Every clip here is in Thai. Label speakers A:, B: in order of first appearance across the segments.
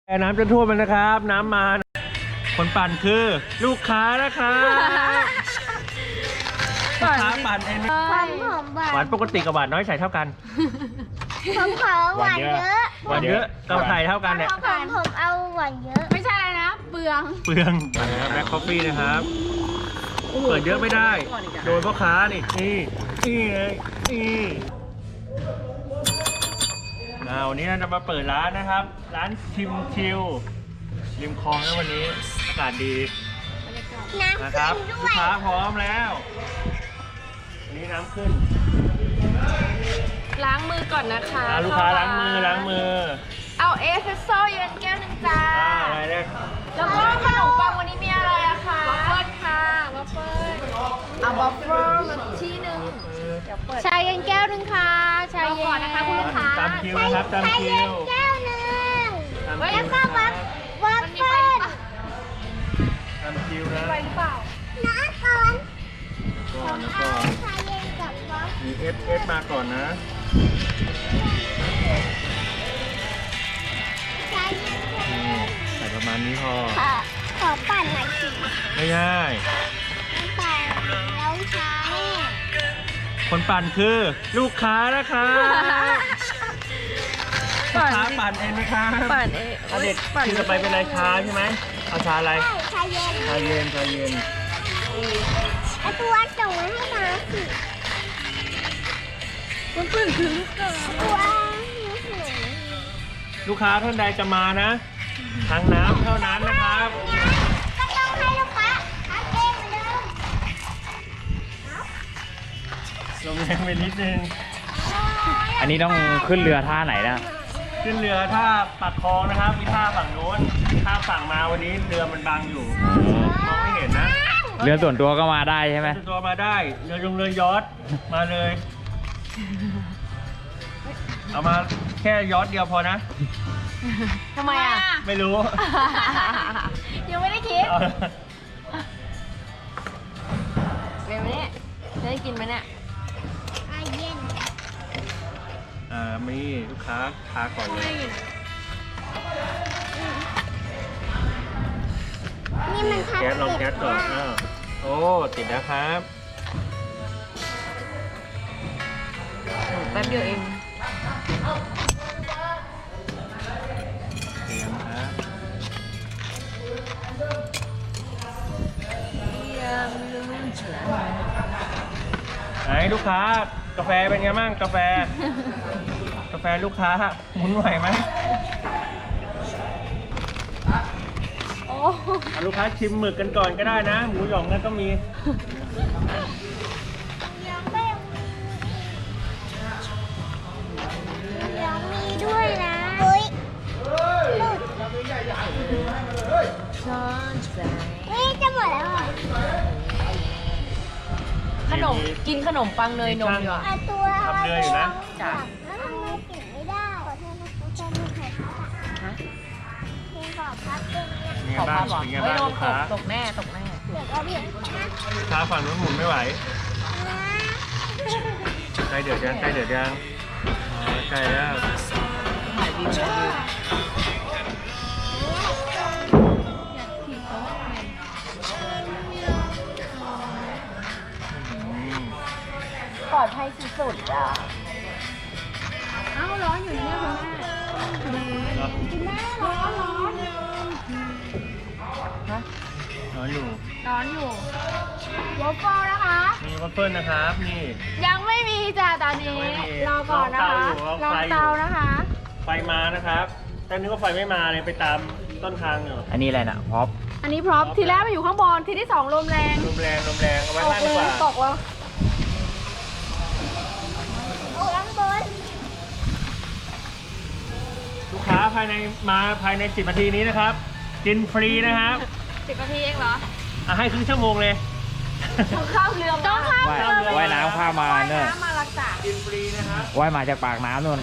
A: น้ำจะท่วมมันนะครับน้ำมาคนปั่นคือลูกค้านะครับลูกค้าปั่นเอง
B: ความหอมหวาน
A: หวานปกติกับหวานน้อยใส่เท่ากัน
B: ผมขอหวานเยอะ
A: หวานเยอะกับใส่เท่ากันเนี่ย
B: ผมเอาหวานเยอะ
C: ไม่ใช่อะไรนะเปลือง
A: เปลืองแบล็คคอฟฟี่นะครับเปิดเยอะไม่ได้โดนพ่อค้านี่นี่เลยนี่วันนี้เราจะมาเปิดร้านนะครับร้านชิมชิลริมคลองนะวันนี้อากาศดี
B: น้ำ
A: นะค
B: ขึ้
A: รับ
B: นด้
A: ลู
B: ว
A: ก
B: ย
A: ค้าพร้อมแล้ววันนี้น้ำขึ้น
C: ล้างมือก่อนนะคะ
A: ลูกค้าล้างมือ
C: เอาเอสเปรสโซ่เย็นแก้วหนึ่งจ้า
A: อะไรเนี่ย
C: แล้วก็ขนมปังวันนี้มีอะไรอะคะวัฟเฟิลค่ะวัฟเฟิลเอาวัฟเฟิลมาที่หนึ่งเดี๋ยวเปิดชาเย็นแก้วหนึ่งค่ะชาเย็นก่อนนะคะคุณลูกค้า
A: ตามคิวนะครับตาม
B: ใช้
A: คิ
B: เย็น
A: ว
B: แก้วหนึ่ง
A: ตาม
B: แล้ว
A: คิว
B: ก็วัฟเฟิล
A: ตามคิวนะ
C: ไปหรือเปล่า
B: น้ำก่อน
A: ก่อนแล้วก็
B: ใช้เย็นกับวัฟ
A: มีเอสมาก่อนนะ
B: ใช้เย็น
A: ใส่ประมาณนี้พอ
B: ขอปั่นหน่อยสิ
A: ไม่ง่าย
B: ปั่นแล้วใช้
A: คนปั่นคือลูกค้านะครับลูกค้าปั่นเองนะครับ
C: ปั่นเอง
A: เอาเด็กคือจะไปเป็นอะไรชาใช่ไหมเอาชาอะไร
B: ใช้เย็น
A: ชาเย็นชาเย็น
B: ไอตัวส่งมาให้น้าสิ
C: คุณปื้นคือลูกค้า
B: ตัว
A: ลูกค้าท่านใดจะมานะทางน้ำเท่านั้นนะครับ
B: ก็ต้องให้ลูกค้าเอาเองเหมือนเดิม
A: ลงแรงไปนิดนึง
D: อันนี้ต้องขึ้นเรือท่าไหนนะ
A: ขึ้นเรือท่าปักคลองนะครับมีท่าฝั่งโน้นท่าฝั่งมาวันนี้เรือมันบังอยู่มองไม่เห็นนะ
D: เรือส่วนตัวก็มาได้ใช่ไหม
A: ตัวมาได้เรือยอชต์มาเลย เอามาแค่ยอชต์เดียวพอนะ
C: ทำไมอะ
A: ไม่รู้
C: ยังไม่ได้คิด
A: เอา
C: เป็นไหมเนี่ยจะได้กินไหมเนี่ย
B: อาเย็น
A: มีลูกค้าทาก่อนเลย
B: นี่มันทับ
A: แก๊สลอง
B: เก็
A: แก๊
B: บ
A: สก่อน
B: ได้
A: โอ้ติดแล้วครับ
C: แป๊บเดียวเอง
A: เตรียมครับ ไหนลูกค้ากาแฟเป็นไงบ้างกาแฟ กาแฟลูกค้าหมุนไหวไหม
C: โอ้
A: เอาลูกค้าชิมหมึกกันก่อนก็ได้นะ หมูหยองนั่นก็มี
B: ยังไม่ยังมีด้วยนะเฮ้ยหลุดเฮ้ยจะหมดแล้วอ่ะ
C: ขนมกินขนมปังเนยนมดีกว่า
B: เอาตัว
A: ทำเรืออยู่นะ
C: จ้ะ
B: แล้วทำไมกินไม่ได้ขอโทษนะคะจะมีใครพับอ่ะพี่ขอพับตรงเนี้ย
A: เป็นไง
C: ขอ
A: บ้า
C: ภาง พเหรอ
A: เป็นไง
C: เฮ้ย
A: บ้าง
C: โดน
A: ลูกค้า
C: ตกแน่ตกแน่
B: เดี๋ยวก็เบี่ยงนะ
A: ลูกค้าฝั่งนู้นหมุนไม่ไหว
B: นะ
A: ใกล้เดือดยังใกล้เดือดยังอ๋อใกล้แล้ว
C: ถ่ายวิวถ่ายวิว
A: อืม
C: ปลอดภัยสุดๆอ่ะ
A: เนอะ
B: ร้อนอยู่
A: ร้อนอยู่
C: ร้อนอยู่วอฟเฟิลนะคะ
A: มีวัฟเฟิลนะครับนี่
C: ยังไม่มีจ้ะตอนนี้
A: ยังไม่มี
C: รอก่อนนะคะ
A: ร
C: ร
A: อ
C: อ
A: ไฟอยู่
C: เตานะคะ
A: ไฟมานะครับแต่นึกว่าไฟไม่มาเลยไปตามต้นทางอยู่
D: อันนี้อะไรนะพร็อพ
C: อันนี้พร้อมทีแรกมาอยู่ข้างบนทีที่สองลมแรง
A: ลมแรงเอาไว้
C: ตก
A: ข้าง
C: เล
A: ดีก
C: ย
A: ว่า
C: ตกแล้ว
B: โอ้ข้างบน
A: ลูกค้าภายใน10 นาทีนี้นะครับ กินฟรีนะครับ
C: 10 นาทีเองเหรอ
A: ให้ครึ่งชั่วโมงเลย
C: ต้องข้ามเรือต้องข้าม
D: ว่าย
C: เรือ
D: ว่ายน้ำข้ามมา
C: ว่าย
D: เนี่ย
C: น้ำมารักษา
A: กินฟรีนะครับ
D: ว่ายมาจากปากน้ำนู่น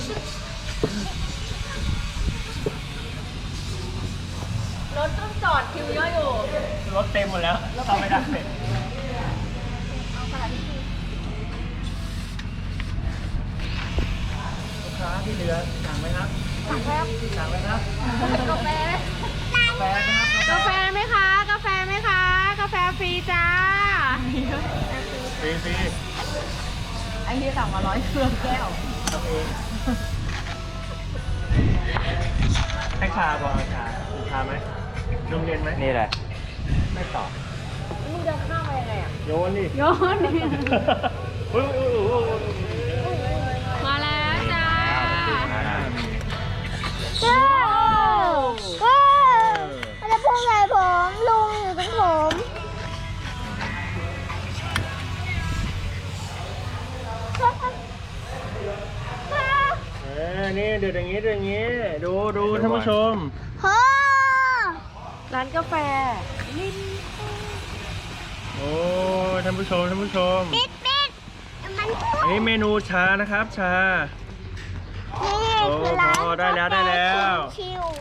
C: รถต้องจอดคิวเยอะอยู่
A: รถเต็มหมดแล้วเข้าไม่ได้ลูกค้าที่เหลือสั่งไหมครับสั่งไหมครับ
C: กาแฟ
A: แฟนะครับ
C: กาแฟไหมคะ กาแฟไหมคะ กาแฟฟรีจ้า
A: ฟรีฟรี
C: ไอ้ที่สั่งมา100เครื่องแก้ว
A: ทำเองให้ชาบอกชาชาไหมนมเย็นไหม
D: นี่แหละ
A: ไม่ตอบ
C: มึงเดินข้ามมายังไงอ่ะ
A: โยนดิ
C: โยน
A: อุ้ย
C: มาแล้วจ้า
B: เจ้ามันจะพุ่งใส่ผมลุงอยู่ตรงผม
A: นี่เดือดอย่างนี้เดือดอย่างนี้ ดูท่านผู้ชม
B: โอ้
C: ร้านกาแฟ
A: โอ้ท่านผู้ชม
B: ปิดมันพุ่ง
A: อันนี้เมนูชานะครับ ชา
B: นี่คือร้าน
A: โอ้ได้แล้วได้แล้ว
B: ชิว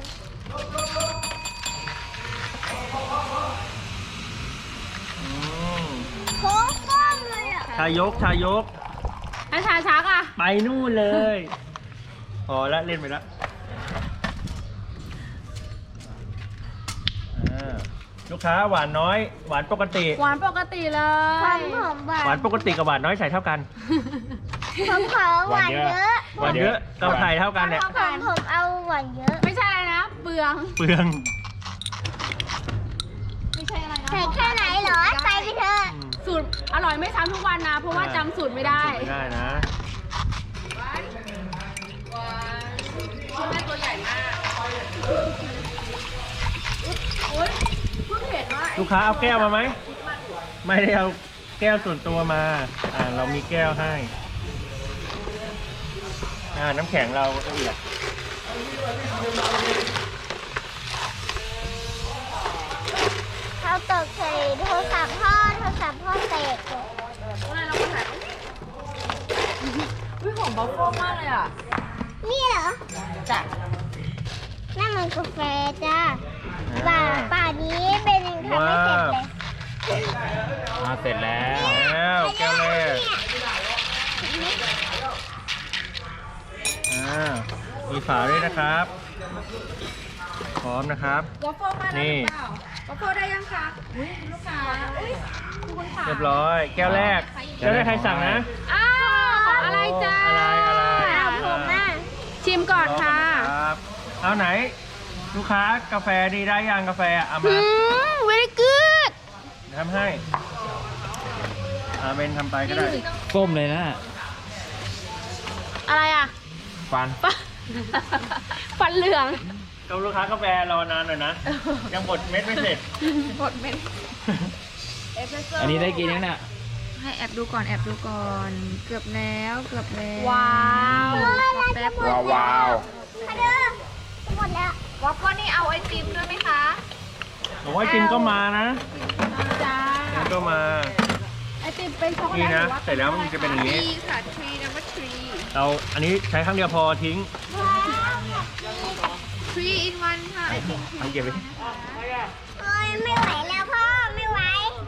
A: อืม
B: ๆโค้งก้มเลยอ่ะ
A: ชายก
C: ไอ้ชาชักอ่ะ
A: ไปนู่นเลยพอละเล่นไปละลูกค้าหวานน้อย หวานปกติ
C: หวานปกติเล
B: ความ
C: ย
B: หอมหวา
A: หวาน นปกติกับหวานน้อยใส่เท่ากัน
B: ผมขอหวานเยอะ
A: หวานเยอะกับไข่เท่ากันเนี่ย
B: ผมเอาหวานเยอะ
C: ไม่ใช่อะไรนะ เปลือง
A: เปลือง
C: ไม่ใช่อะไรนะ
B: ใส่แค่ไหนเหรอใส่ไปเถอะ
C: สูตรอร่อยไม่ซ้ำทุกวันนะ เพราะว่าจำสูตรไม่ได้
A: ไม่ได้นะ
C: แม่ตัวใหญ่มากโอ๊ยเพิ่งเห็นว่า
A: ลูกค้าเอาแก้วมาไหม ไม่ได้เอาแก้วส่วนตัวมา เรามีแก้วให้ น้ำแข็งเราละเอียด
B: เขาตกใส่โทรศัพท์พ่อแตกเลย
C: อะไรเราก็ถ่ายอุ้ยหอมบัฟเฟิลมากเลยอ่ะ
B: นี่เหรอ
C: จ้ะ
B: นั่นมันกาแฟจ้าป่านี้เป็นยังทำไม่เสร็จเลย
D: เสร็จแล้ว
A: แล้วแก้วแรกมีฝาด้วยนะครับ พร้อมนะครับ
C: วัฟเฟิลมาแล้ว
A: นี่
C: หรือเปล่าวัฟเฟิลได้ยังคะอุ้ยลูกค้าอุ้ยคุณค่ะ
A: เรียบร้อย แก้วแรกแก้วแรกใครสั่งนะ
C: อ้าวของอะไรจ้า
A: อะไร
B: เอาผมอ่ะ
C: ชิมก่อนค่ะ
A: ครับ เอาไหน ลูกค้ากาแฟดีได้ยังกาแฟเอามา
B: very good
A: ทำให้เบนทำไปก็ได้
D: ก้มเลยนะ
C: อะไรอ่ะ
D: ฟัน
C: ฟันเหลือง
A: ก็ลูกค้ากาแฟรอนานหน่อยนะ ยังบดเม็ดไม่เสร็จ
C: หมดเป็นเอสเปรสโซ่
D: อันนี้ได้กินยังเนี่ย
C: ให้แอบดูก่อน เกือบแล้วว้าว แป๊บ
D: ว้าว
B: มาเด้อหมดแล้ว
C: วัฟเฟิลนี่เอาไอติมด้วยไหมคะ
A: ผมว่าจิมก็มานะ
C: จ้า
A: จิมก็มา
C: ไอติมเป็นช็อกโกแลต
A: นี่นะ
C: หรือว่า
A: เสร็จแล้วมันจะเป็นอย่างนี้
C: นี้ค่ะทรีนัมเบอร์ทรี
A: เราอันนี้ใช้ครั้งเดียวพอทิ้ง
C: ทรีอินวันค่ะไอติม
A: เอาเก็บไป
B: โอ้ยไม่ไหวแล้วพ่อไม่ไหว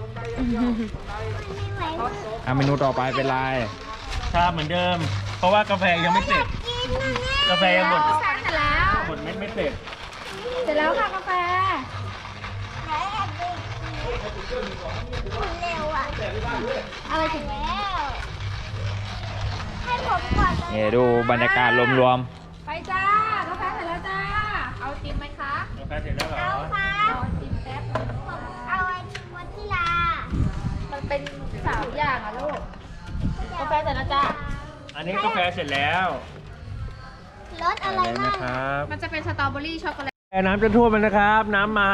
B: ไม่ไหว
D: เมนูต่อไปเป็นไร
A: ชาเหมือนเดิม เพราะว่ากาแฟยังไม่เสร็จ
B: กินนะเนี่ย
A: กาแฟยังบด
C: เสร็จแล้ว
A: บดเม็ดไม่เสร็จ
C: เสร็จแล้วค่ะกาแฟ
B: ไหนแอบดูคุณเร็วอ่ะ
C: อะไรถึง
B: แล้วให้ผมก่อนเลย
D: นี่ดูบรรยากาศรวม
C: ไปจ้ากาแฟเสร็จแล้วจ้า เอาไอติมไหมคะ
A: กาแฟเสร็จแล้วเหรอ
B: เอาครับ
C: เอาไอติมแป๊บ
B: ผมเอาไอติมวานิลา
C: มันเป็น3อย่างอะลูก กาแฟเสร็จแล้วจ้า
A: อันนี้กาแฟเสร็จแล้ว
B: รสอะไร
A: เลย
B: บ้า
A: นะ
B: ง
A: ครับ
C: มันจะเป็นสตรอเบอรี่ช็อกโกแลต
A: น้ำจะท่วมแล้วนะครับ น้ำมา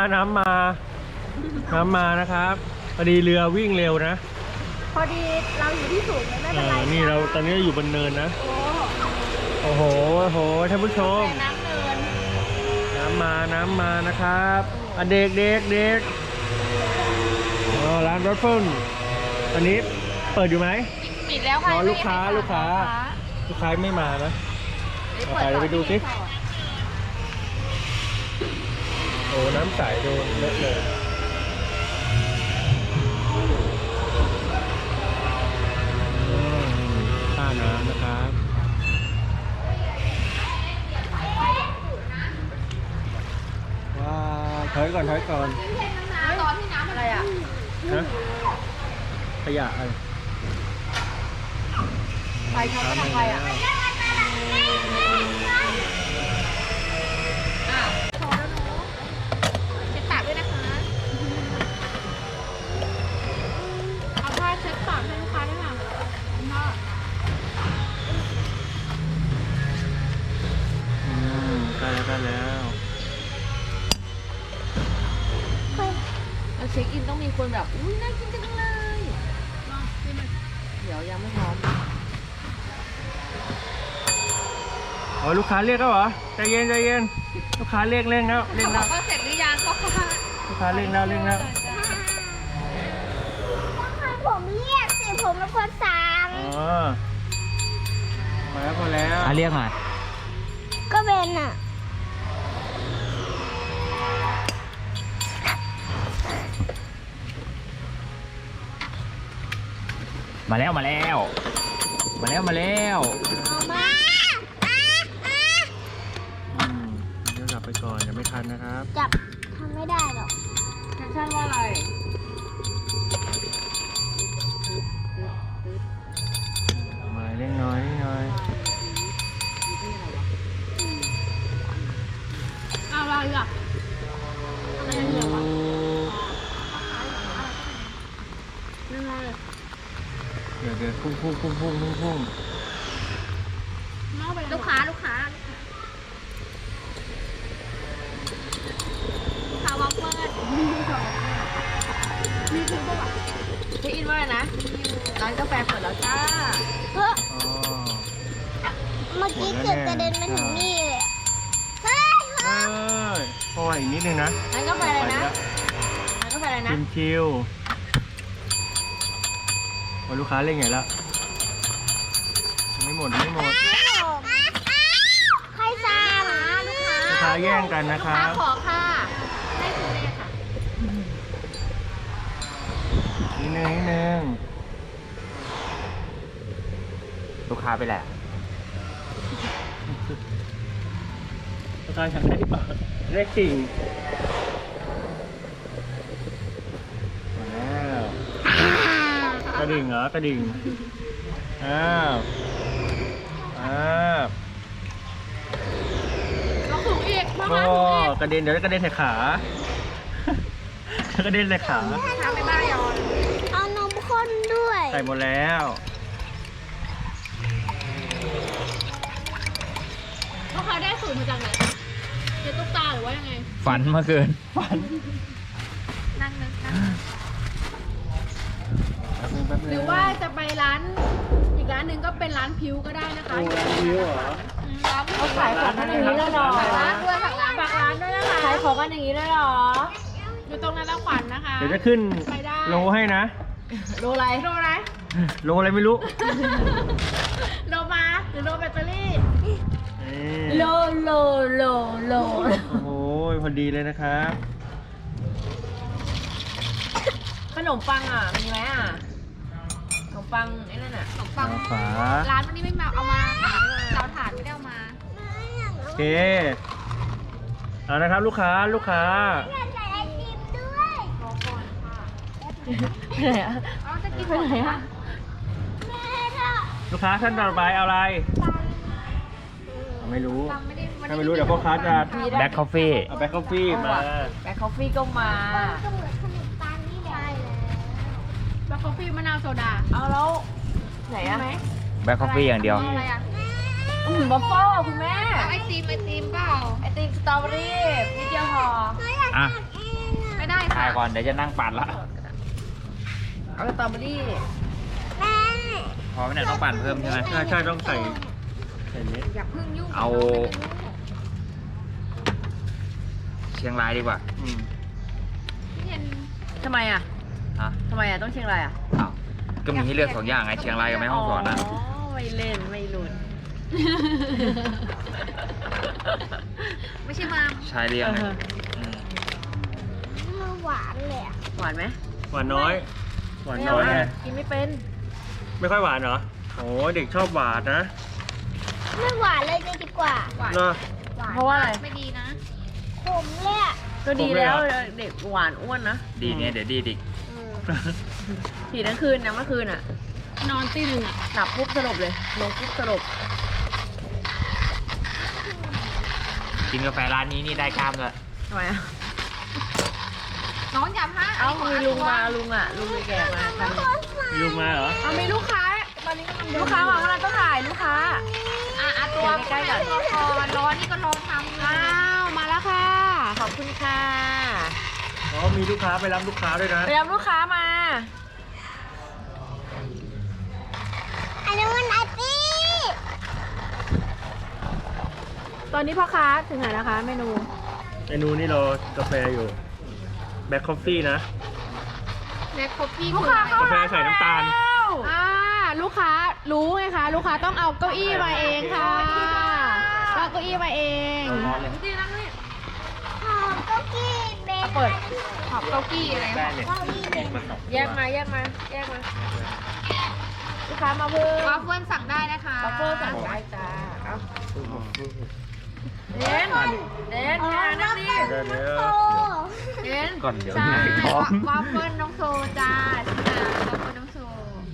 A: นะครับพอดีเรือวิ่งเร็วนะ
C: พอดีเราอยู่ที่สูงเลยไม่เป็นไร
A: นี่เราตอนนี้อยู่บนเนินนะ
C: โอ้
A: โอ้โหท่านผู้ชม
C: แต่น้ำเนิน
A: น้ำมานะครับเด็กร้านรถเฟิลตอนนี้เปิดอยู่ไหม
C: ปิดแล้วค่ะ
A: รอลูกค้าไม่มานะ เอาไปเดี๋ยวไปดูสิ โอ้น้ำใสดูเลอะเลยท่าน้ำนะครับถอยก่อนถอยก่อน
C: ตอนที่น้ำอะไรอ่ะ
A: ฮะขยะอะไร
C: ไฟช็อตก็ทำไฟอ่ะพอแล้วเนาะเช็ดปากด้วยนะคะเอาผ้าเช็ดปากให้ลูกค้าด้วยค่ะพ่อ
A: ใกล้แล้วใกล้แล้ว
C: แล้วเช็คอินต้องมีคนแบบ อุ้ยน่ากินจังเลยเดี๋ยวยังไม่พร้อม
A: อ๋อลูกค้าเรียกแล้วเหรอใจเย็นใจเย็นลูกค้าเรียกเร่งแล้วเร่ง
C: บ
A: แล้
C: อ
A: ว
C: กว่าเสร็จหรือยังก็ค่ะ
A: ลูกค้าเร่งแล้วเร่งแล้ว
B: ผมเรียกสิผมเป็นคนสั่ง
A: อ๋อมาแล้วพอแล้ว
D: เรียกหน่อย
B: ก็เป็นอ่ะ
D: มาแล้วมาแล้ว มาแล้วมาแล้ว
B: เอามา
A: เดี๋ยวกลับไปก่อนยังไม่ทันนะครับ
B: จับทำไม่ได้หรอก
C: แคปชั่นว่าอะไร
A: มาเร่งน้อยเร่งน้อย
C: อะไรอ่ะอะไรเหลือวะนั่นไง
A: เดี๋ยวพุ่งพุ่ง
C: ลูกค้าลูกค้าวัฟเฟิลมีถึงป่ะเช็คอินว่าอะไรนะร้านกาแฟเปิดแล้วจ้า
B: เฮ้ย
A: อ๋อ
B: เมื่อกี้เกือบกระเด็นมาถึงนี่เลยอะเฮ้ย
A: เอ้ยพออีกนิดนึงนะ
C: ร้านกาแฟอะไรนะร้านกาแฟอะไรนะ
A: ชิวโอ้ยลูกค้าเร่งใหญ่แล้วไม่หมดไม่หมด
B: ใครสั่ง
A: ลูกค้าแย่งกันนะ
C: ลูก
A: ครั
C: ค้า
A: บ
C: ขอค่ะได้คุณเลยค่ะ
A: นิดนึง
D: ลูกค้าไปแหละ
A: ลูกค้าฉันได้ปะได้สิ่งมาแล้วกระดิ่งเหรอกระดิ่งอ้าวอ้าว
C: เราถูกอีกมา
A: ก็
C: ถูกอีก
A: กระเด็นเดี๋ยวกระเด็นใส่ขา กระเด็นใส่ขา
C: ทำไปบ้านยอน
B: เอานมข้นด้วย
A: ใส่หมดแล้ว
C: ลูกค้าได้สูตรมาจากไหนเจ๊ตุ๊กตาหรือว่ายังไง
D: ฝันเมื่อคืน
C: นั่งนึกนั่ง
A: แป๊บนึง
C: หรือว่าจะไปร้านอีกร้านหนึ่งก็เป็นร้านพิวก็ได้นะคะ
A: โอ้วิวเหรอ
C: เขาขายของกันอย่างนี้เลยเหรอร้านด้วยฝากร้านด้วยนะคะขายของกันอย่างนี้เลยเหรออยู่ตรงนั้นแล้วขวัญนะคะ
A: เดี๋ยวจะขึ้น
C: ไปได้
A: โลให้นะ
C: โลอะไรโลอะไร
A: โลอะไรไม่รู้
C: โลมาหรือโลแบตเตอรี่
A: นี่
C: โล
A: โอ้โหพอดีเลยนะครับ
C: ขนมปังอ่ะมีไหมอ่ะขนมปังไอ้นั่นอ่ะขนมปัง
A: ฝา
C: ร้านวันนี้ไม่มาเอามาเราถาดไม่ได้เอามา
A: โอเคเอานะครับลูกค้า
B: อยากใส่ไอติมด้วย
C: รอก่อนค่ะไปไหนอ่ะเอาจะกินไปไหนอ่ะ
B: แม่ถ้า
A: ลูกค้าท่านต่อไปเอาอะไร ไม่รู้
C: ปังไม่ได้
A: ถ้าไม่รู้เดี๋ยวพ่อค้าจะ
D: แบ็คคอฟฟี่
A: เอาแบ็คคอฟฟี่มา
C: แบล็คคอฟฟี่ก็มา
B: ก็เหมือนขนมปังนี่แหละ
C: แบล็คคอฟฟี่มะนาวโซดาเอาแล้วไหนอ่ะ
D: แบ็คคอฟฟี่อย่างเดียว
C: อะไรอ่ะบัฟเฟิลคุณแม่ไอติมเปล่าไอติมสตรอเบอรี่นิดเดียวพอ
D: อ่ะ
C: ไม่ได้
D: ถ่า
C: ค่ะ
D: ยก่อนเดี๋ยวจะนั่งปั่นละ
C: เอาสตรอเบอรี่
B: แม่
D: พอไม่เนี่ยต้องปั่นเพิ่มใช่ไหม
A: ใช่ต้องใส่นี้
C: อย่าพึ่งยุ่ง
D: เอา เชียงรายดีกว่า
A: อืม
C: ทำไมอ่ะ
D: ฮะ
C: ทำไมอ่ะต้องเชียงรายอ่ะ
D: อ้าวก็มีให้เลือกสองอย่างไงเชียงรายกับแม่ฮ่องสอนนะ
C: ไม่เล่นไม่หลุดไม่ใช่มา
D: ชายเรียงเลยม
B: มันหวานเลยอะ
C: หวานไหม
A: หวานน้อยไง
C: กินไม่เป็น
A: ไม่ค่อยหวานเหรอโอ้เด็กชอบหวานนะ
B: ไม่หวานเลยดีกว่า
C: หวาน
A: เนาะ
C: เพราะว่าอะไร
B: ขมเลยอะ
C: ก็ดีแล้วเด็กหวานอ้วนนะ
D: ดีเนี่ยเดี๋ยวดีดิ
C: ผีทั้งคืนนะเมื่อคืนอ่ะ นอนตีหนึ่งอ่ะหลับปุ๊บสลบเลยลงปุ๊บสลบ
D: กินกาแฟร้านนี้นี่ได้กล้ามเลย
C: ทำไมอ่ะ
B: น้องอย่าพลาด
C: เอ้ามีลุงมาลุงอ่ะลุงแก่มา
A: มีลุงมาเหรอ
C: เอามีลูกค้าตอนนี้ลูกค้ามาเมื่อไหร่ต้องถ่ายลูกค้า
B: ตัว
C: ใกล้ๆก่อน
B: ร้อนนี่ก็ร้อนทำ
C: อ้าวมาแล้วค่ะ ขอบคุณค่ะ
A: อ๋อมีลูกค้าไปรับลูกค้าด้วยนะ
C: ไปรับลูกค้ามา
B: อันนี้มันอาตี้
C: ตอนนี้พ่อค้าถึงไหนนะคะ เมนู
A: เมนูนี่เรากาแฟอยู่แบล็คคอฟฟี่นะ
B: แม็กคอฟฟี่
C: ลูกค้าเข้าก
A: าแฟใส่น้ำตาล
C: ลูกค้ารู้ไงคะ ลูกค้าต้องเอาเก้าอี้มาเองค่ะเอาเก้าอี้มาเอง
A: ร้อนเลย
C: จริงๆนะนี่
B: หอมเก้ากี้เบค
C: เปิดขอบเก้าอี้อะไร
A: แป้งเนี่ย
B: เก้าอี้เบค
C: แยกมาลูกค้ามาเพิ่ม
B: วาฟเฟิลสั่งได้นะคะ
C: บัฟเฟอร์สั่งได้จ้าเอาเด่นนั่งนี่
A: เดี๋ยว
C: เด่น
D: ก่อนเดี๋ยว
C: ใช่
D: ท้อง
C: วาฟเฟิลน้องโซจ้าใช่ไหมวาฟเฟิลน้องโซ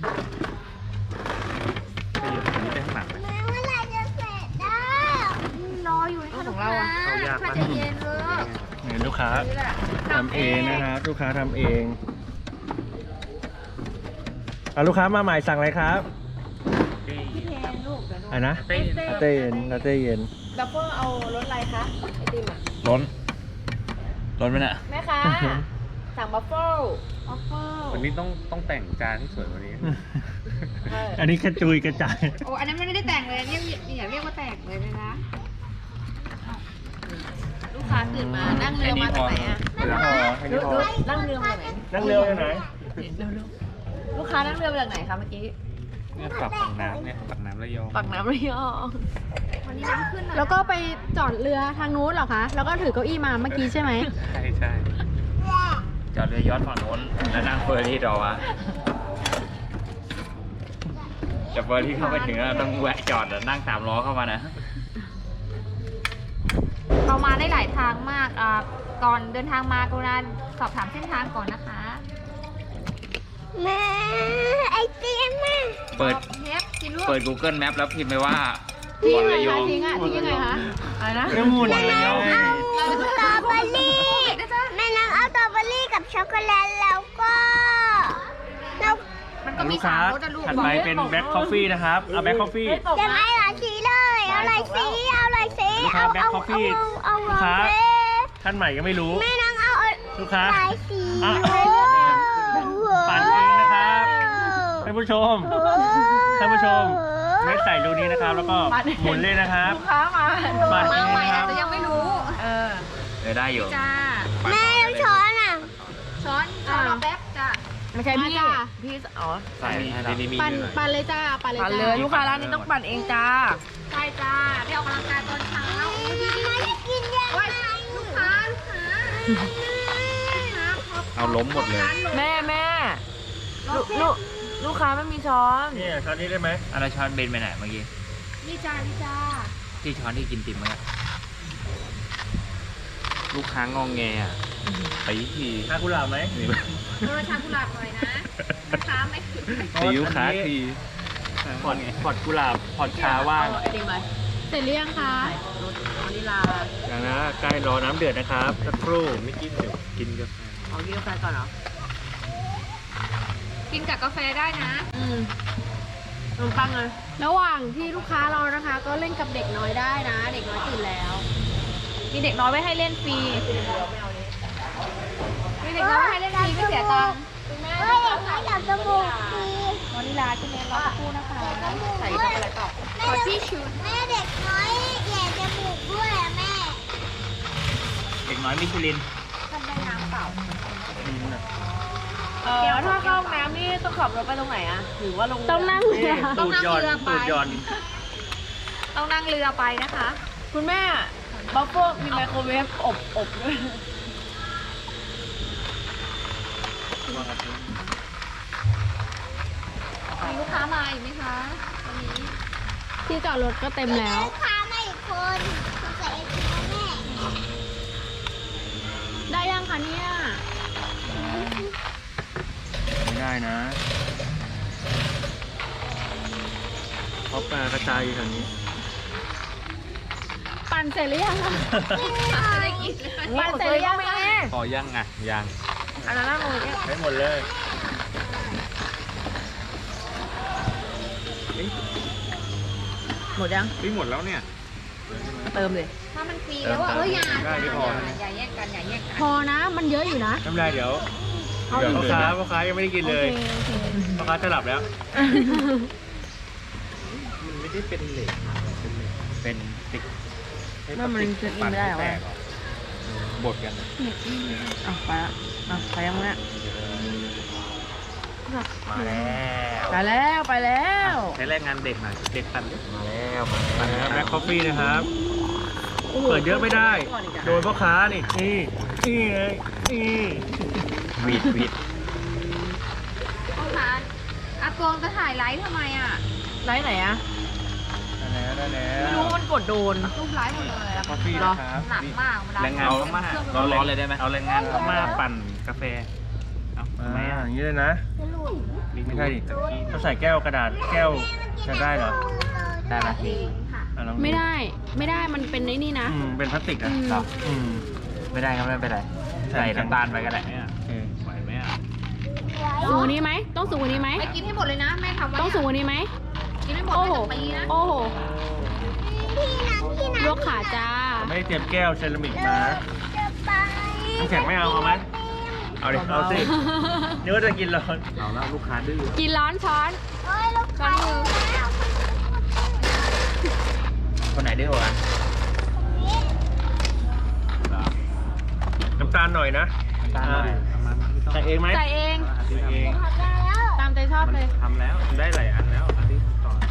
D: ไปอยู่ตรงนี้ได้ข้างหลังไหม
B: แม่เมื่อไหรจะเสร็จได้รออยู่นะคะลูกค้า
A: เอายาก
B: ถ้า
A: ปะ
B: จะเย็นเลย
A: เนี่ยลูกค้า
C: นี่แหละ
A: ทำเองนะครับลูกค้าทำเองลูกค้ามาใหม่สั่งอะไรครับอะไรนะ
D: เต้น
A: ลาเต้เย็นลาเต้เย็น
C: บัฟเฟอร์เอารสอะไรคะไอติมอ่ะ
D: ล้นไหมน่ะ
C: แม่ค้าสั่งบัฟเฟิล
D: วันนี้ต้องแต่งจานให้สวยกว่านี้
A: อันนี้กระจุยกระจาย
B: โอ้อันนั้นไม่ได้แต่งเลยเนี่ยอย่าเรียกว่าแต่งเลยนะ
C: ลูกค้าตื่นมานั่งเรือมาจากไหนอ่ะ
A: ไม่พอไม่พอ
C: นั่งเรือมาจากไหน
A: นั่งเรือไปไหน
C: ลูกค้านั่งเรือมาจากไหนคะเมื่อกี้
D: เนี่ยปากน้ำเนี่ยปากน้ำระยอง
C: ปากน้ำระยอง
B: วันนี้น้ำขึ้นหน่อย
C: แล้วก็ไปจอดเรือทางนู้นเหรอคะ แล้วก็ถือเก้าอี้มาเมื่อกี้ใช่ไหม
D: ใช่จอดเรือยอชต์ฝั่งโน้นแล้วนั่งเฟอร์รี่รอวะจะเฟอร์รี่เข้าไปถึงแล้วต้องแวะจอดแล้วนั่ง3 ล้อเข้ามานะ
B: เรามาได้หลายทางมากก่อนเดินทางมากรุณาสอบถามเส้นทางก่อนนะคะแม่ไอเตียมมา
D: เปิด
B: เทปกินลูก
D: เปิด Google Map แล้วพิมพ์ไปว่า
C: ทิ้ง
D: บ่อน
C: ยังไง
D: ระยอ
C: คะ
D: ง
C: ทิ้งยังไงคะอะไรนะ
A: น้ำมูลเลย
B: เอาสตรอเบอรี่แม่นางเอาสตรอเบอรี่กับช็อกโกแลตแล้วก็แล้วมันก็มี
A: ลูกค้า
B: 3 รสอะลูก
A: ถัดไปเป็นแบล็คคอฟฟี่นะครับเอาแบล็คคอฟฟี่
B: จะไม่หลายสีเลยเอาหลายสีเอาหลายสี
A: ลูกค้า Black Coffee
B: เอา
A: ลูกค้า ท่านใหม่ก็ไม่รู้
B: แม่นางเอา
A: ลูกค้า
B: หลายสี
A: อ่ะปั่นเองนะครับท่านผู้ชมท่านผู้ชมเม็ดใส่รูนี้นะครับ แล้วก็หมุนเลยนะครับ
C: ลูกค้ามา
A: ปั่นเอ
B: มางใหม่
A: นะค
B: อา
A: รั
B: จ
A: บ
B: จะยังไม่รู้
D: ได้อยู่
B: จ้า
D: ปั่น
B: แม่
D: ต่อ
B: ช้อนอ่ะช้อนรอแป๊บจ้า
C: ไม่ใช่พี่พี่อ๋อ
D: ใส่ในนี้มี
C: ปั่น
D: ด้วย
C: ปั่นเลยจ้าปั่นเลยลูกค้าร้านนี้ต้องปั่นเองจ้า
B: ใช่จ้าได้ออกกำลังกายตอนเช้าดีๆกินยังไงลูกค้า
D: เอาล้มหมดเลย
C: แม่ลูกค้าไม่มีช้อน
A: นี่ช้อนนี้ได้ไหม
D: อะไรช้อนเบนไปไหนเมื่อกี้
B: นี่จ้านี่จ้า
D: ที่ช้อนที่กินติ่มเมื่อกี้ลูกค้างองแงอ่ะไปที
A: ทากุหลาบไหม
D: นี่
B: รสชากุหลาบหน่อยนะลูกค้าไม่ถึง
D: ตีลูกค้าที
A: พอดกุหลาบพอดชาว่าง
C: ไอติมไปเสร็จหรือยังคะรสวานิลา
A: อย่างนะใกล้รอน้ำเดือดนะครับสักครู่ไม่กินเดี๋ยวกินกาแฟ
C: เอากินกาแฟก่อนเหรอ
B: กินกับกาแฟได้นะ
C: ขนมปังเลยระหว่างที่ลูกค้ารอนะคะ ก็เล่นกับเด็กน้อยได้นะ เด็กน้อยตื่นแล้ว
B: มีเด็กน้อยไว้ให้เล่นฟรีมีเด็กน้อยไว้ให้เล่นฟรีไม่เสียตังค์เฮ้ยเด็กน้อยอยากจมูกฟรี
C: วานิลาใช่ไหมรอสักครู่นะคะใส่ช็อกโกแลตต่อ
B: ขอที่ชุดแม่เด็กน้อยแย่จมูกด้วยอะแม่
D: เด็กน้อยมิชลิน
B: ทำได้น้ำเปล่า
C: เดี๋ยวถ้าเข้าห้องน้ำนี่ต้องขับรถไปตรงไหนอะหรือว่าลงต้องนั่งเรือ
A: ตูดหย่อนตูดหย่อน
B: ต้องนั่งเรือไปนะคะ
C: คุณแม่บัฟเฟอร์มีไมโครเวฟอบด้วย
B: มีลูกค้ามาอีกไหมคะวันนี้
C: ที่จอดรถก็เต็มแล้ว
B: ลูกค้ามาอีกคนสงสัยไอติมแม่
C: คะเนี่ย
A: ไม่ได้นะเพราะปลากระจายอยู่แถวนี้
C: ปั่นเสร็จหรือยังคะ
B: ไม่ได้กินเลย
C: ปั่นเสร็จหรือยังคะ
D: พอยังอ่ะยัง
C: อันนั้นน่าเลยเนี่ย
A: ได้หมดเลย
C: หมดยัง
D: ไม่หมดแล้วเนี่ย
C: เติมเลย
B: ถ้ามันฟรีแล้วอ่ะอย่า
A: ได้ไม่พอ
B: อย่าแยกกันอย่าแยกกัน
C: พอนะมันเยอะอยู่นะ
A: ไม่เป็นไรเดี๋ยว
C: เอา
A: เดี๋ยว
C: อีก
A: พ่อค้ายังไม่ได้กิน
C: โอ
A: เลย
C: เคโอเค
A: พ่อค้าจะหลับแล้ว
D: มันไม่ได้เป็นเหล็กเป็นติ๊ก
C: นั่นมันจะกินไม่ได้หรอ
D: แตกบดกัน
C: อ่ะไปละอ่ะไปยังเนี่ย
D: มาแล้ว
C: ไปแล้วไปแล้ว
D: ใช้แรงงานเด็กหน่อยเด็กปั่นดิมาแล้วมา
A: แบล็คคอฟฟี่นะครับ เปิดเยอะไม่ได้ โดนพ่อค้านี่นี่ไงนี่
D: วีดวีด
B: พ่อค้าอากงจะถ่ายไลฟ์ทำไมอ่ะ
C: ไลฟ์ไหนอะ
A: ได้แล้ว
C: ไม่รู้มันกดโดน
B: รูปไลฟ์หมดเลยอะ
A: คอฟฟี่นะครับ
B: หนักมากเวลา
D: แรงงานพม่าร้อนๆเลยได้ไหมเอาแรงงานพม่าปั่นกาแฟเอา
A: อ่า
D: ทำไมอ่ะ
A: อย่างนี้เลยนะ ไม่ใช่ดิเขาใส่แก้วกระดาษแก้วจะได้เหรอ
D: ได้ไหม
A: อ่ะลอง
C: ไม่ได้มันเป็นไอ้นี่นะ
A: เป็นพลาสติกอ่ะ
D: ครับ
A: อืม
D: ไม่ได้ครับไม่เป็นไร
A: ใส่
D: ใส่น้ำตาลไปก็ได้เนี่ย
A: โอเค
D: ไหวไหมอ่ะ
C: สูงกว่านี้ไหมต้องสูงกว่านี้ไหม
B: ไปกินให้หมดเลยนะแม่ทำไว้
C: ต้องสูงกว่านี้ไหม
B: กินให้หมด
C: โอ้
B: ไม่
C: โห
B: ต้องปีนะ
C: โอ้โหลวกขาจ้า
A: ผมไม่ได้เตรียมแก้วเซรามิกมาน้ำแข็งไม่เอาไหมเอาดิเอาสินึกว่าจะกินร้อน
D: เอาแล้วลูกค้าดื้อ
C: กินร้อนช้อนช้อนมือ
D: คนไหนดื้อกว่ากัน
A: น้ำตาลหน่อยนะ
D: น้ำตาลหน่อยประมาณไม่ต้อง
A: ใส่เองไหม
C: ใส่เอง
A: ใส่เอง
C: ตามใจชอบเลย
D: ทำแล้วได้หลายอันแล้วอันที่ทำก่อน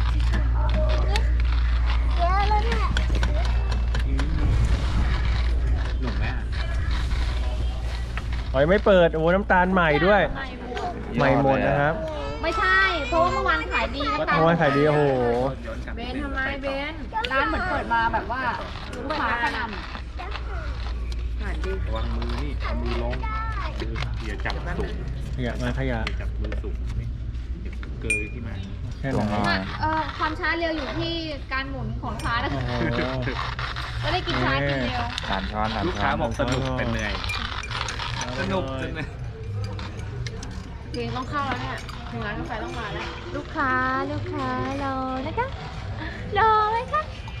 D: หนุ่มไหมอ่ะ
A: อ๋อยังไม่เปิดโอ้น้ำตาลใหม่ด้วย ใหม่หมดนะครับ
B: ไม่ใช่เพราะว่าเมื่อวานขายดีนะ
A: เพราะว่าขายดีโอ้โห
B: เบนทำไมเบนร้านเหมือนเปิดมาแบบว่าลูกค้ากระหน่ำ
D: ระวังมือนี่เอามือลงอย่าจับสูง
A: ขยะมาขยะ
D: อย่าจับมือสูงนี่เดี๋ยวเกยขึ้นมา
A: แค่นั้น
B: ความช้าเร็วอยู่ที่การหมุนของช้านะ
A: โอ้
B: คะ
A: โห
B: จะได้กินช้ากินเร็ว
D: ลูกค้าบอกสนุกเป็นเหนื่อยสนุกจนเลย
C: เพลงต้องเข้าแล้วเนี่ยเพลงร้านกาแฟต้องมาแล้ว
B: ลูกค้ารอนะคะรอไหมคะ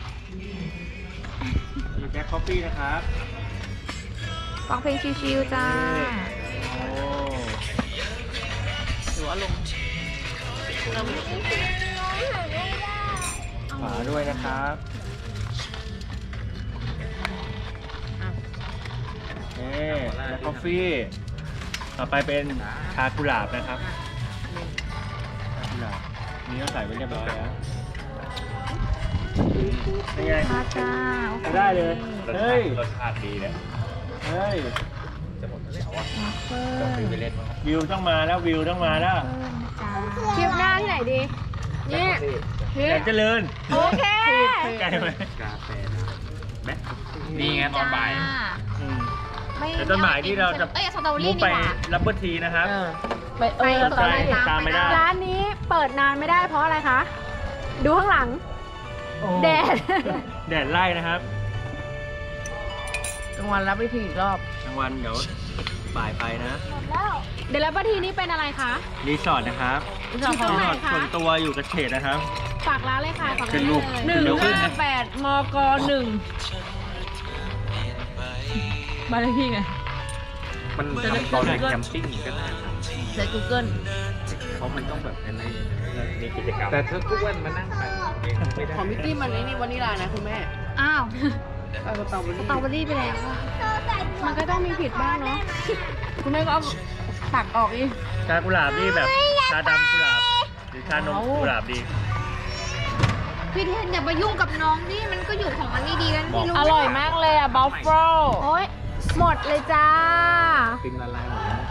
A: มีแบล็คคอฟฟี่นะครับ
B: ฟังเพลงชิวๆจ้า
A: โอ้
C: หรือว่าลง
A: ฝาด้วยนะครับเอ๊แบล็คคอฟฟี่ต่อไปเป็นชากุหลาบนะครับชากุหลาบนี่ก็ใส่ไว้เรียบร้อยแล้วเป็นไง
B: มาจ้า
A: ได้เลยเฮ้ย
D: รสชาติดีเนี่ย
A: เฮ้ย
D: จะหมดแล้วอ่ะต้องซื้อไปเล่นมั้ง
A: วิวต้องมาแล้ววิวต้องมาแล้ว
C: คลิปหน้าที่ไหนดี เนี่ย
A: อยากเจริญ
C: โอเค
A: ใกล้ไหม
D: กาแฟแบ็คนี่ไงตอนบ่าย
A: อืม แต่ต้นหมายที่เราจะ
B: เอ้ยสตรอเบอ
A: มุ
B: รี่
A: ก
B: นี่
A: ไป
B: หว่า
A: รับเบอร์ทีนะครับ
C: ไป
B: ไป
C: ตอน
A: ใช่
C: นี้
A: ตามไม่ได้
C: ร้านนี้เปิดนานไม่ได้เพราะอะไรคะ ดูข้างหลัง
A: โอ้
C: แดด
A: แดดไล่นะครับ
C: กลางวันรับวิธีอีกรอบ
A: กลางวันเดี๋ยวบ่ายไปนะ
C: เดี๋ยวรับวิธีนี้เป็นอะไรคะ
A: รีสอร์ทนะครับ
C: รีสอร์ทของ
A: รี
C: ไหน
A: สอร์ท
C: คะ
A: ส่วนตัวอยู่กับเขตนะครับ
C: ฝากร้านเลยค่ะฝาก
A: ขึ้
C: ร้าน
A: นรูป
C: หนึ่ง
A: เดี๋ยวขึ้น
C: ห้า
A: นะ
C: แปดมกหนึ่งบ้านเลขที่ไง
D: มันทำตอนแคมปิ้งก็ได้ครับ
C: ใน Google
D: เขามันต้องแบบในมีกิจกรรมแต่ถ้าทุกวันมานั่งไปเองไม่ได้
C: ของมิตตี้มันนี่วานิลานะคุณแม่
B: อ้าว
C: สตรอเบอ
B: ส
C: รี่
B: ตรอเบอรี่ไปแล้วอะ
C: มันก็ต้องมีผิดบ้างเนาะ คุณแม่ก็เอาตักออกอีก
A: ชากุหลาบนี่แบบชาดำกุหลาบ หรือชานมกุหลาบดี
B: พี่เทนอย่าไปยุ่งกับน้องดิมันก็อยู่ของมันดีๆแล้วพี่รู้
C: อร่อยมากเลยอ่ะบัฟเฟิล
B: โอ๊ย
C: หมดเลยจ้า
D: ติมละลายหมดแล้ว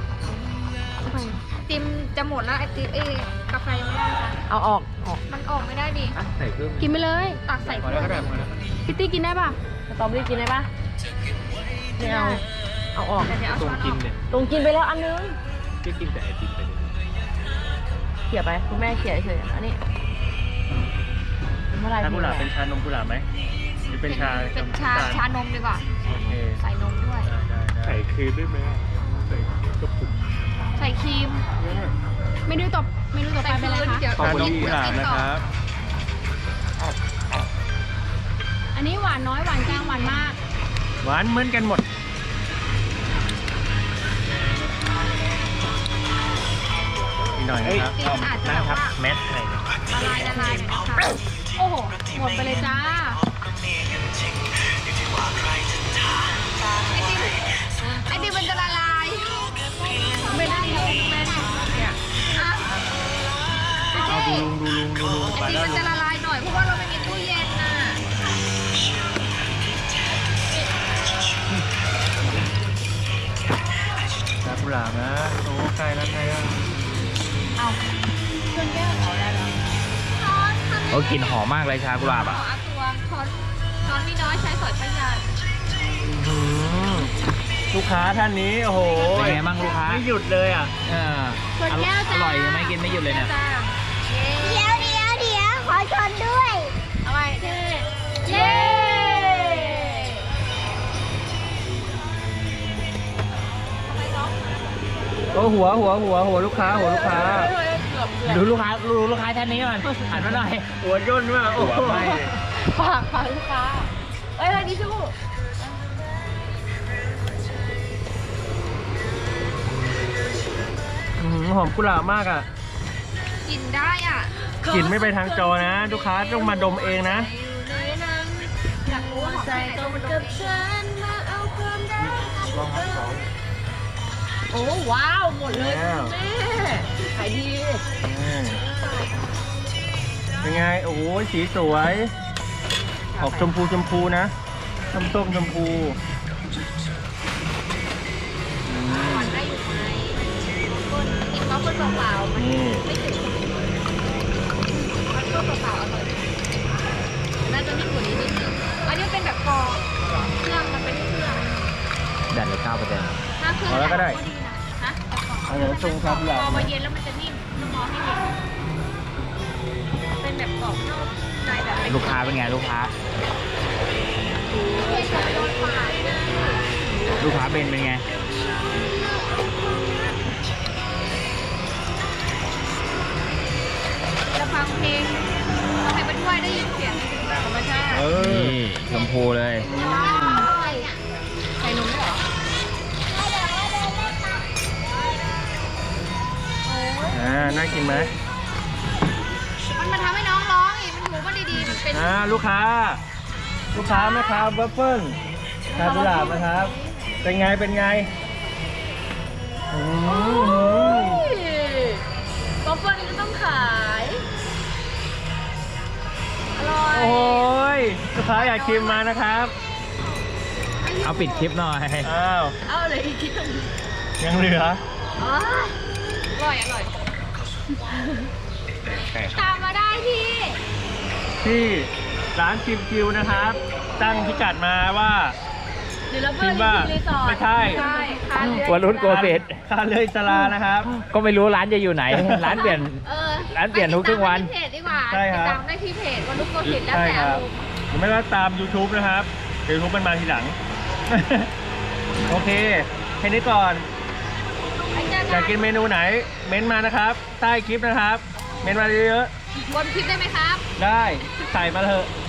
B: ติมจะหมดแล้วไอติมกาแฟยังไม่ได้ค่ะ
C: เอาออก
B: มันออกไม่ได้ดิ
D: อ่ะใส่เพิ่ม
C: กินไปเลย
B: ตักใส่
A: พอ
B: ถ้
A: แล้ว
B: วย
A: ก็ได้พอแล้ว
C: พิตตี้กินได้ป่ะสตรอเบอรี่กินได้ป่ะไม่เอาเอาออก
B: เดี๋ยวเอา
A: ตร
B: ช้อง นอ
A: กิน
B: อก
A: เนี่ย
C: ตรงกินไปแล้วอันนึง
A: พี่กินแต่ไอติมไปเลย
C: เขี่ยไปคุณแม่เขี่ยเฉยๆอันนี้เมื่อไหร
A: ชากุหลาบเป็นชานมกุหลาบไหมหรือเป็นชา
B: เป็นชานมดีกว่า
A: โอเค
B: ใส่นมด้วย
A: ได้
D: ใส่ครีมได้ไหมใส่กระปุก
B: ใส่ครีม
C: เมนูต่อไปเป็นอะไรคะ
B: เดี๋ยว
A: ชานมกุหลาบนะครับ
C: อันนี้หวานน้อยหวานกลางหวานมาก
A: หวานเหมือนกันหมดอีกหน่อยนะครับ
B: จริงๆอาจจะแบบว่า
A: แมสให้
B: ละลายหน่อยนะคะ
C: โอ้โหหมดไปเลยจ้า
B: ไอติมมันจะละลายไม่ได้เลยแม่เนี่ยอ่ะ
A: เอาดูลุง
B: ไอติมมันจะละลายหน่อยเพราะว่าเราไม่มีตู้เย็นน่ะ
A: ชากุหลาบนะโอ้ใกล้แล้ว
C: เอาเครื่องแก้วเอาได้แล้ว
A: โอ้กลิ่นหอมมากเลยชากุหลาบ
B: ขอ
A: อ่ะ
B: เอาตัวช้อนมีน้อยใช้สอยประหยัด
A: ลูกค้าท่านนี้โอ้โห
E: เป็นไงบ้างลูกค้า
A: ไม่หยุดเลยอ่ะ
C: ส่วนแก้วจ้า
E: อร่อยยังไม่กินไม่หยุดเลยเนี่ย
B: จ้า
F: เดี๋ยวขอชนด้วย
B: เอาไว้เย้
A: โอ้หัวลูกค้า
E: ดูลูกค้าท่านนี้ก่อนหันมาหน่อย
A: หัวย่นมากโอ้โห
C: ฝากลูกค้าเอ้ยอะไรดิชู่
A: หอมกุหลาบมากอ่ะ
B: กินได้อ่ะ
A: กลิ่นไม่ไปทางจอนะ ลูกค้าต้องมาดมเองนะ
B: อยากรู้ว่าหอมแค่ไหนต้องมาดมเอง
C: โอ้ว้าวหมดเลย
A: แล้ว
C: แม่ขายดี
A: เป็นไง โอ้โหสีสวย ออกชมพูนะส้มชมพู
B: หวานได้อยู่ไหมคนกินมะม่วงเปล่าๆมัน
A: นี่
B: ไม่ถึงมันก็เปล่าๆอร่อยน่าจะนิ่มกว่านี้นิดนึงอันนี้เป็นแบบกรองเครื่องมันเป็นเครื่อง
E: แดดเลย9%
B: ถ้าเครื่อง
A: เอาแล้วก็ได้
B: ดีนะฮะ
A: เอาเดี๋ยวชงชากุหลาบ
B: พอมาเย็นแล้วมันจะนิ่มต้องรอให้เย็นเป็นแบบกรอบนอกในแบบเป็น
E: ลูกค้าเป็นไงลูกค้า ลูกค้าเป็นไง
B: จะฟังเพลงฟังเพลงไปด้วยได้ยินเสียงธรรมชาติ
E: นี่ชมพูเลย
B: ใส่นมด้วยเหรอ
A: น่ากินไหม
B: มันมาทำให้น้องร้องอีกมันถูมันดีๆมันเป็น
A: ลูกค้าไหมครับวัฟเฟิลชากุหลาบนะครับ เป็นไงอืม
C: ป๊อปเปิ้ลก็ต้องขาย
B: อร่อย
A: โอ้ยลูกค้าอยากชิมมานะครับ
E: เอาปิดคลิปหน่อย
A: อ้าว
C: เอาอะไรอีกคิด
A: ยังเหลือ
B: อร่อยตามมาได้ที่
A: ที่ร้านชิมคิวนะครับ ตั้งพิกัดมาว่า
C: เดี๋ยวเรา
A: พิ
C: เพิ่
A: ม
C: ม
A: พ์ว่า
C: รีสอร์ท
A: ไม่ใช่
B: ค่ะเรือ
E: วันรุ่นโกเฟส
A: คาเลยสลานะครับ
E: ก็ไม่รู้ร้านจะอยู่ไหน ร้านเปลี่ยน ร้านเปลี่ยนทุกครึ่งวัน
B: ไปติดตามได้ที่เพจดีกว่า
A: ใช่ครับ
B: ติดตามได้ที่เพจวันลูกโกสิทธิ์แล้ว
A: ใช่
B: แต่
A: ค
B: อา
A: รับ
B: รมณ์
A: หรือไม่ก็ตาม YouTube นะครับ YouTube มันมาทีหลัง โอเค แค่นี้ก่อน
B: ไปเจอ
A: อยากกินเมนูไหน เม้นต์มานะครับ ใต้คลิปนะครับ เม้นต์มาเยอะ
B: บนคลิปได้ไหมครับ
A: ๆได้ ใส่มาเถอะ